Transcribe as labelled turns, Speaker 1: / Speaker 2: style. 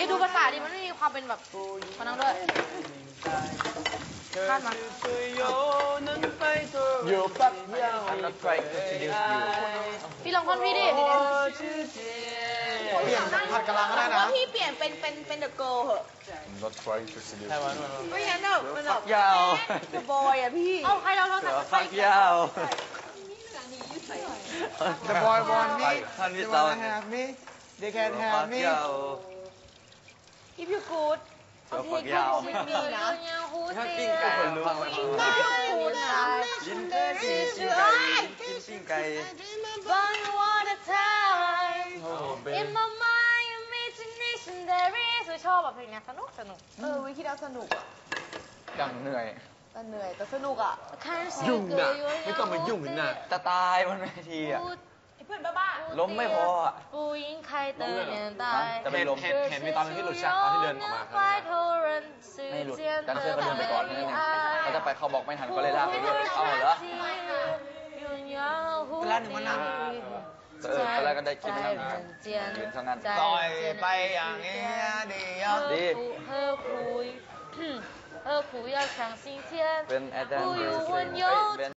Speaker 1: ดูภาษาดิมันไม่มีความเป็นแบบมานั่งด้วยคาดมา
Speaker 2: อยู่แป๊บเดียว I'm not trying to seduce you
Speaker 1: พี่ลองท่อนพี่ดิ
Speaker 3: เปลี่ยนผัดกะลังก็ได้นะ
Speaker 4: พี่เปลี่ยนเป็นเดอะเกิร์ลเหอะ
Speaker 2: I'm not trying to seduce you
Speaker 4: ไม่งั้นแบบมันแบบ
Speaker 2: ยาว
Speaker 4: เดอะบอยอะพี่
Speaker 1: เอาใครเราใส่
Speaker 2: ฟักยาว
Speaker 3: The boy want me
Speaker 2: ท่านพี่
Speaker 3: They
Speaker 2: เตา
Speaker 3: wanna have me They can have me
Speaker 4: อีพิวกูด
Speaker 2: ฟักยาว
Speaker 4: มีนะ
Speaker 2: ถ้าปิ้งไก่ฟังไว้ก่อน
Speaker 4: อีพิวกูดนะ
Speaker 2: กินปิ้งไก่กินปิ้งไก่
Speaker 1: One water time
Speaker 2: โอ้เบ
Speaker 1: In my mind imagination there is ชอบแบบเพลงนี้สนุก
Speaker 4: วิคิดแล้วสนุกอะ
Speaker 2: ยังเหนื่อย
Speaker 4: แต่เหนื่อยแต่สนุกอะ
Speaker 1: ยุ่งนะไม่ต้องมายุ่งนะ
Speaker 2: จะตายบนเวทีอ่ะ
Speaker 4: ไอ้เพื่อนบ้า
Speaker 2: ล้มไม่พออ่ะ
Speaker 1: ผู้หญิงใครเตือนตาย
Speaker 2: จะไปล้ม
Speaker 3: เห็นมีตอนที่หลุดฉากตอนที่เดินออกมาครับ
Speaker 2: ไม่หลุดดันเซอร์ก็เดินไปก่อนนั่นเองเขาจะไปเขาบอกไม่ทันก็เลยลากไปด้วยเอาเหรอ
Speaker 3: เวลาหนูมานั่ง
Speaker 2: ตอนแรกก็ได้คิดไปนั่งยืนเท่านั้น
Speaker 3: ปล่อยไปอย่างนี้ดี
Speaker 2: ดี
Speaker 1: 何苦要想今天
Speaker 2: เป็นอาจารย์
Speaker 1: 不用温柔